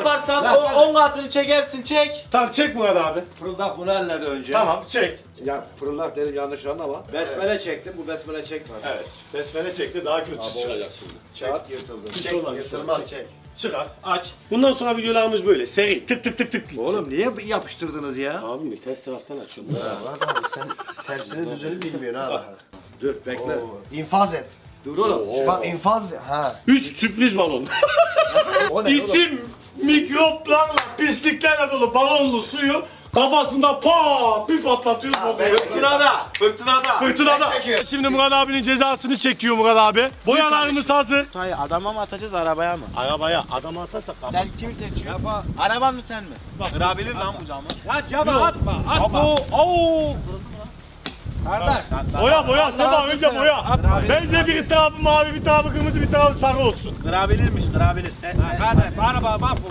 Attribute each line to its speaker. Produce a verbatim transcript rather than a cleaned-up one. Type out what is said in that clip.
Speaker 1: yaparsan o on katını çekersin, çek.
Speaker 2: Tamam çek Murat abi.
Speaker 3: Fırıldak bunu elledi önce.
Speaker 2: Tamam çek.
Speaker 3: Ya fırıldak dedim yanlış anlama. Besmele çektim, bu besmele çekmedi.
Speaker 2: Evet. Besmele çekti daha kötüsü çıkacak şimdi.
Speaker 3: Kağıt yırtıldı.
Speaker 2: Çek,
Speaker 3: Çek,
Speaker 2: çek,
Speaker 3: yırtılmaz.
Speaker 2: çek. Çıkar, aç. Bundan sonra videolarımız böyle. Seri tık tık tık tık. gitsin.
Speaker 3: Oğlum niye yapıştırdınız ya?
Speaker 2: Abi mi ters taraftan açıyorum.
Speaker 4: Murat abi sen tersini düzeni bilmiyorsun ha daha.
Speaker 3: Dur bekle.
Speaker 4: Oo, İnfaz et.
Speaker 3: Dur oğlum.
Speaker 4: Bak infaz ha.
Speaker 2: Üç sürpriz balon.
Speaker 3: O ne oğlum?
Speaker 2: İçim mikroplarla, pisliklerle dolu balonlu suyu kafasında pat bir patlatıyoruz. bakıyor.
Speaker 1: Fırtınada, fırtınada.
Speaker 2: Fırtınada. Şimdi Murat abinin cezasını çekiyor Murat abi. Boyalarımız hazır.
Speaker 1: Hayır, adama mı atacağız, arabaya mı?
Speaker 2: Arabaya adamı atarsak abi.
Speaker 1: Sen kimi seçiyorsun? Araban mı sen mi? Kırabilir lan bu camı.
Speaker 3: Ya cama atma, atma.
Speaker 1: Abo, oo.
Speaker 3: Kardeş.
Speaker 2: Boya boya Sefa önce boya. Bence bir tarafı mavi bir tarafı kırmızı bir tarafı sarı olsun.
Speaker 1: Kırabilirmiş, kırabilir.
Speaker 3: Kardeş, bana bak, bak.